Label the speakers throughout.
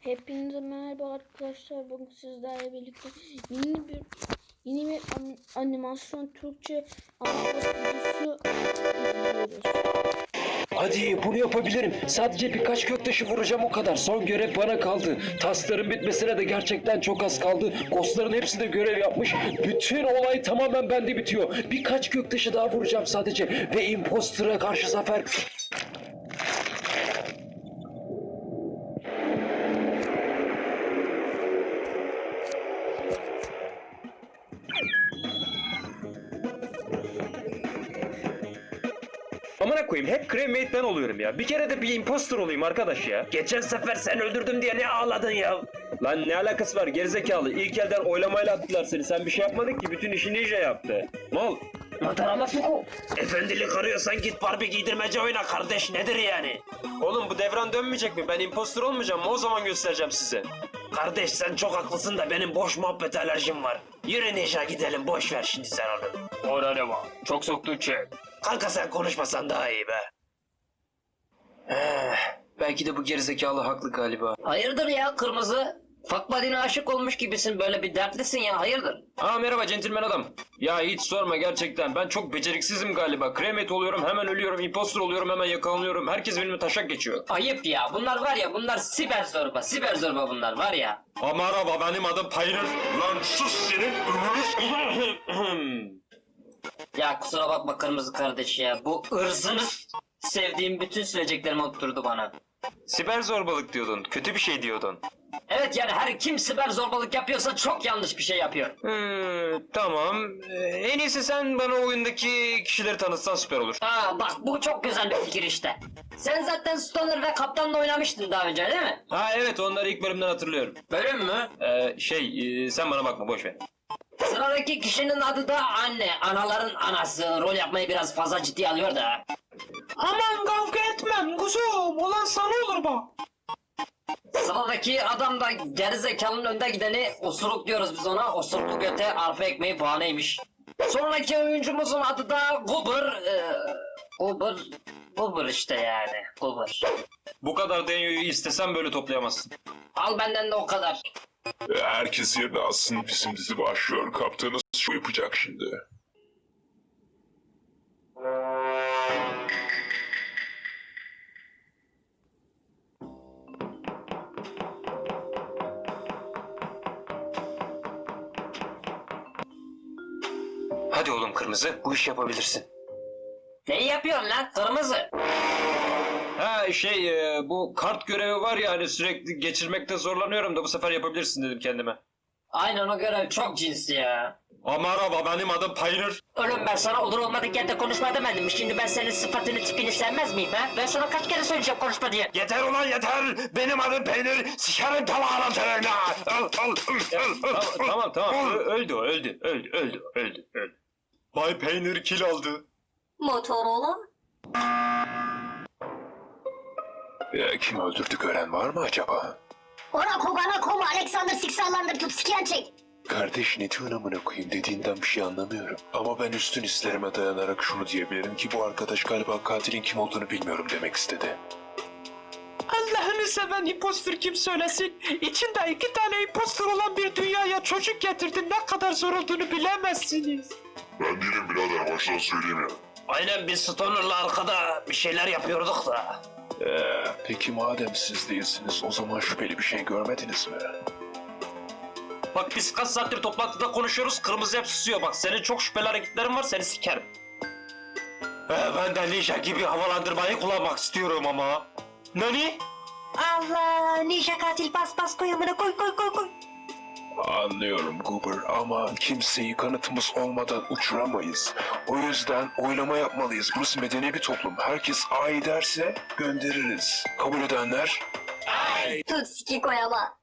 Speaker 1: Hepinize merhaba arkadaşlar. Bugün sizlerle birlikte yeni bir animasyon Türkçe anlatma videosu izliyoruz.
Speaker 2: Hadi bunu yapabilirim. Sadece birkaç göktaşı vuracağım o kadar. Son görev bana kaldı. Taskların bitmesine de gerçekten çok az kaldı. Ghostların hepsi de görev yapmış. Bütün olay tamamen bende bitiyor. Birkaç göktaşı daha vuracağım sadece. Ve impostora karşı zafer...
Speaker 3: Amına koyayım hep cremate ben oluyorum ya. Bir kere de bir imposter olayım arkadaş ya. Geçen sefer sen öldürdüm diye ne ağladın ya? Lan ne alakası var gerizekalı? İlk elden oylamayla attılar seni. Sen bir şey yapmadın ki bütün işi Ninja yaptı. Mal.
Speaker 2: Matarama Fuku.
Speaker 3: Efendilik arıyorsan git Barbie giydirmece oyna kardeş nedir yani? Oğlum bu devran dönmeyecek mi? Ben imposter olmayacağım mı? O zaman göstereceğim size. Kardeş sen çok haklısın da benim boş muhabbet alerjim var. Yürü Ninja gidelim boş ver şimdi sen onu. Orada ne var? Çok soktun çek. Kanka sen konuşmasan daha iyi be.
Speaker 2: Belki de bu gerizekalı haklı galiba.
Speaker 4: Hayırdır ya kırmızı? Fuck buddy'ne aşık olmuş gibisin, böyle bir dertlisin ya, hayırdır?
Speaker 3: Merhaba centilmen adam. Ya hiç sorma gerçekten. Ben çok beceriksizim galiba. Cremate oluyorum hemen ölüyorum. Imposter oluyorum hemen yakalanıyorum. Herkes benimle taşak geçiyor.
Speaker 4: Ayıp ya, bunlar var ya, bunlar siber zorba bunlar var ya.
Speaker 3: Merhaba benim adım Payner. Lan sus senin
Speaker 4: Ya kusura bakma kırmızı kardeş ya, bu ırzınız sevdiğim bütün söyleyeceklerimi oturdu bana.
Speaker 3: Siber zorbalık diyordun. Kötü bir şey diyordun.
Speaker 4: Evet yani her kim siber zorbalık yapıyorsa çok yanlış bir şey yapıyor.
Speaker 3: Tamam. En iyisi sen bana oyundaki kişileri tanıtsan süper olur.
Speaker 4: Aa bak, bu çok güzel bir fikir işte. Sen zaten Stoner ve Kaptan'la oynamıştın daha önce değil mi?
Speaker 3: Evet onları ilk bölümden hatırlıyorum.
Speaker 4: Bölüm mü?
Speaker 3: Sen bana bakma boş ver.
Speaker 4: Sıradaki kişinin adı da anne. Anaların anası. Rol yapmayı biraz fazla ciddiye alıyor da.
Speaker 3: Aman kavga etmem kuzum. Olan sana olur bak.
Speaker 4: Sıradaki adam da gerizekalının önde gideni, osuruk diyoruz biz ona. Osuruklu göte arpa ekmeği bahaneymiş. Sonraki oyuncumuzun adı da Goober. Goober işte yani. Goober.
Speaker 3: Bu kadar denyoyu istesen böyle toplayamazsın.
Speaker 4: Al benden de o kadar.
Speaker 5: Herkes yerine alsın, bizim dizi başlıyor. Kaptanız şu yapacak şimdi.
Speaker 2: Hadi oğlum kırmızı, bu işi yapabilirsin.
Speaker 4: Neyi yapıyorsun lan kırmızı?
Speaker 3: Bu kart görevi var ya hani sürekli geçirmekte zorlanıyorum da bu sefer yapabilirsin dedim kendime.
Speaker 4: Aynen, o görev çok cinsi ya.
Speaker 3: Merhaba benim adım Payner.
Speaker 4: Oğlum ben sana olur olmadık yerde konuşma demedim mi? Şimdi ben senin sıfatını tipini sevmez miyim ha? Ben sana kaç kere söyleyeceğim konuşma diye.
Speaker 3: Yeter ulan yeter. Benim adım Peynir. Sikerim tamamına terörüne. Tamam. Öldü. Bay Peynir kill aldı.
Speaker 6: Motorola?
Speaker 5: Kim öldürdü gören var mı acaba?
Speaker 6: Orako bana kolu Alexander Siksallandır tut siken çek.
Speaker 5: Kardeş ne diyorsun amına koyayım, dediğinden bir şey anlamıyorum. Ama ben üstün hislerime dayanarak şunu diyebilirim ki bu arkadaş galiba katilin kim olduğunu bilmiyorum demek istedi.
Speaker 7: Allah'ını seven imposter kim söylesin? İçinde 2 tane imposter olan bir dünyaya çocuk getirdin, ne kadar zor olduğunu bilemezsiniz.
Speaker 5: Ben değilim birader, baştan söyleyeyim ya.
Speaker 3: Aynen biz Stoner'la arkada bir şeyler yapıyorduk da.
Speaker 5: Peki madem siz değilsiniz, o zaman şüpheli bir şey görmediniz mi?
Speaker 3: Bak biz kaç saattir toplantıda konuşuyoruz, kırmızı hep susuyor. Bak senin çok şüpheli hareketlerin var, seni sikerim. Ben de Ninja gibi havalandırmayı kullanmak istiyorum ama. Nani?
Speaker 6: Allah, ninja katil bas koy amına koy.
Speaker 5: Anlıyorum Goober ama kimseyi kanıtımız olmadan uçuramayız. O yüzden oylama yapmalıyız. Burası medeni bir toplum. Herkes ay derse göndeririz. Kabul edenler?
Speaker 6: Tut siki koy ama.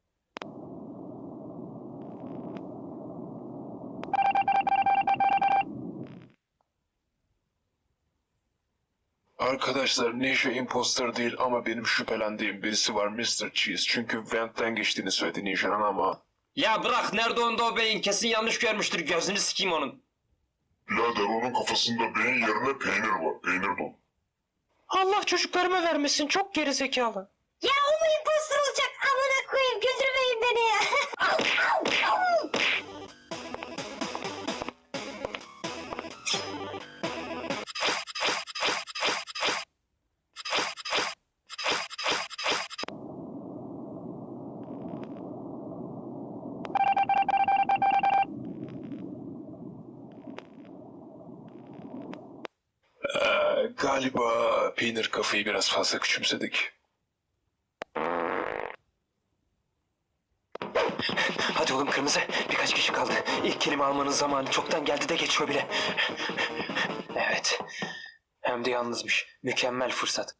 Speaker 5: Arkadaşlar Ninja imposter değil ama benim şüphelendiğim birisi var, Mr. Cheese. Çünkü Vent'ten geçtiğini söyledi Ninja'nın ama...
Speaker 3: Ya bırak nerede onda o beyin, kesin yanlış görmüştür, gözünü sikeyim onun.
Speaker 5: Birader onun kafasında beyin yerine peynir var. Peynir dolu.
Speaker 7: Allah çocuklarıma vermesin, çok gerizekalı.
Speaker 6: Ya o mu imposter olacak amına
Speaker 5: Galiba peynir kafayı biraz fazla küçümsedik.
Speaker 2: Hadi oğlum kırmızı. Birkaç kişi kaldı. İlk kelime almanın zamanı çoktan geldi de geçiyor bile. Evet. Hem de yalnızmış. Mükemmel fırsat.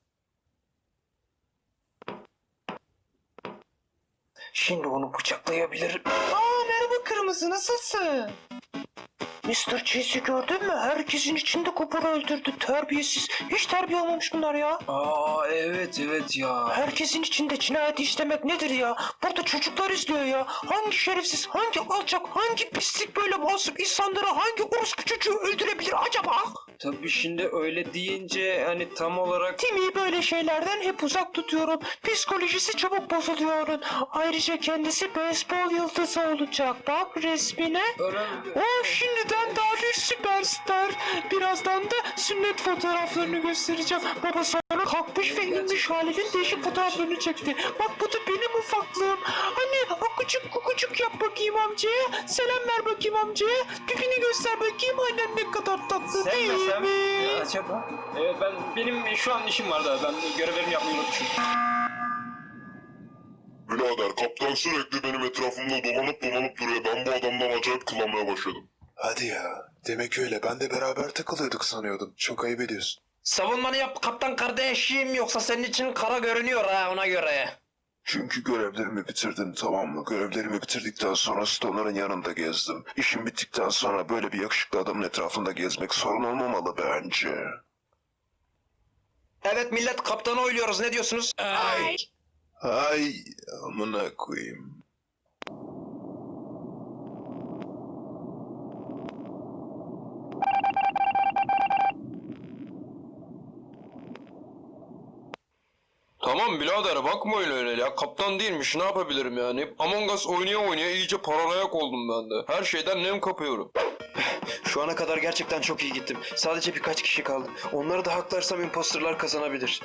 Speaker 2: Şimdi onu bıçaklayabilirim.
Speaker 7: Merhaba Kırmızı, nasılsın? Mr. Cheese'i gördün mü? Herkesin içinde Cooper'ı öldürdü. Terbiyesiz. Hiç terbiye almamış bunlar ya.
Speaker 2: Aa evet ya.
Speaker 7: Herkesin içinde cinayet işlemek nedir ya? Burada çocuklar izliyor ya. Hangi şerefsiz, hangi alçak, hangi pislik böyle masum insanları hangi orospu çocuğu öldürebilir acaba?
Speaker 3: Tabii şimdi öyle deyince hani tam olarak...
Speaker 7: Timmy'yi böyle şeylerden hep uzak tutuyorum. Psikolojisi çabuk bozuluyor onun. Ayrıca kendisi beyzbol yıldızı olacak. Bak resmine. O şimdiden daha bir süperstar. Birazdan da sünnet fotoğraflarını göstereceğim. Baba sonra kalkmış ve inmiş halinin değişik fotoğraflarını çekti. Bak bu da benim ufaklığım. Anne akucuk kukucuk yap bakayım amcaya. Selam ver bakayım amcaya. Pipini göster bakayım. Annen ne kadar tatlı değil mi?
Speaker 3: Acaba? Evet benim şu an işim var da ben görevlerimi yapmayı unutmuşum.
Speaker 8: Birader kaptan sürekli benim etrafımda dolanıp duruyor. Ben bu adamdan acayip kullanmaya başladım.
Speaker 5: Hadi ya. Demek öyle. Ben de beraber takılıyorduk sanıyordum. Çok ayıp ediyorsun.
Speaker 3: Savunmanı yap kaptan kardeşim yoksa senin için kara görünüyor ha ona göre.
Speaker 5: Çünkü görevlerimi bitirdim, tamam mı? Görevlerimi bitirdikten sonra Stoner'ın yanında gezdim. İşim bittikten sonra böyle bir yakışıklı adamın etrafında gezmek sorun olmamalı bence.
Speaker 3: Evet millet kaptanı oyluyoruz ne diyorsunuz?
Speaker 5: Ay amına koyayım.
Speaker 9: Tamam birader bakma öyle ya. Kaptan değilmiş ne yapabilirim yani. Among Us oynaya iyice paranoyak oldum ben de. Her şeyden nem kapıyorum.
Speaker 2: Şu ana kadar gerçekten çok iyi gittim. Sadece birkaç kişi kaldı. Onları da haklarsam imposterlar kazanabilir.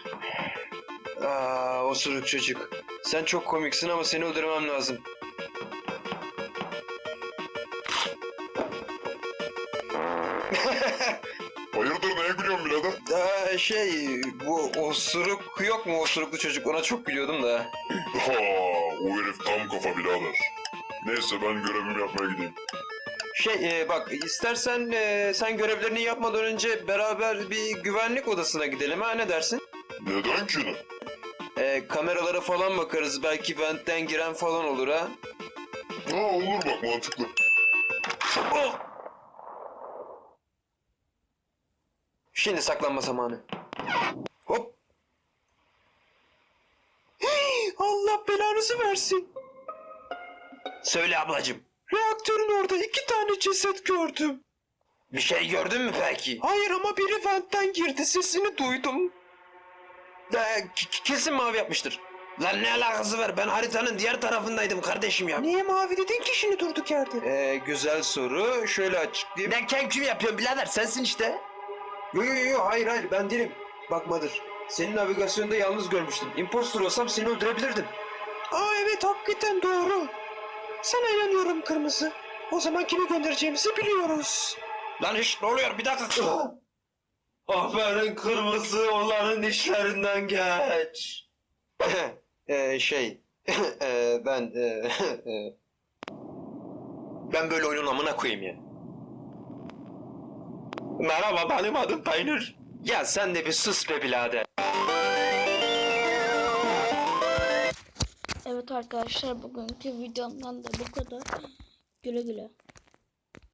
Speaker 2: Osuruk çocuk. Sen çok komiksin ama seni öldürmem lazım.
Speaker 8: Hayırdır neye gülüyorsun birader?
Speaker 2: Bu osuruk yok mu osuruklu çocuk? Ona çok gülüyordum da.
Speaker 8: Ha, o herif tam kafa birader. Neyse ben görevimi yapmaya gideyim.
Speaker 2: Bak istersen sen görevlerini yapmadan önce beraber bir güvenlik odasına gidelim ha ne dersin?
Speaker 8: Neden ki ne?
Speaker 2: Kameralara falan bakarız belki ventten giren falan olur ha.
Speaker 8: Ha olur bak mantıklı.
Speaker 2: Oh! Şimdi saklanma zamanı. Hop!
Speaker 7: Allah belanızı versin.
Speaker 2: Söyle ablacığım.
Speaker 7: Reaktörün orada 2 tane ceset gördüm.
Speaker 2: Bir şey gördün mü peki?
Speaker 7: Hayır ama biri ventten girdi, sesini duydum.
Speaker 2: Kesin mavi yapmıştır. Lan ne alakası var? Ben haritanın diğer tarafındaydım kardeşim ya.
Speaker 7: Niye mavi dedin ki şimdi durduk yerde?
Speaker 2: Güzel soru. Şöyle açıklayayım. Ben kim yapıyorum birader? Sensin işte. Yo hayır ben değilim. Bakmadır. Senin navigasyonda yalnız görmüştüm. Impostor olsam seni öldürebilirdim.
Speaker 7: Aa evet hakikaten doğru. Sana inanıyorum Kırmızı. O zaman kimi göndereceğimizi biliyoruz.
Speaker 3: Lan hiç ne oluyor bir dakika.
Speaker 2: Aferin kırmızı onların işlerinden geç. Ben böyle oyunun amına koyayım ya.
Speaker 9: Merhaba benim adım Peynir.
Speaker 2: Ya sen de bir sus be birader.
Speaker 1: Evet arkadaşlar bugünkü videomdan da bu kadar. Güle güle.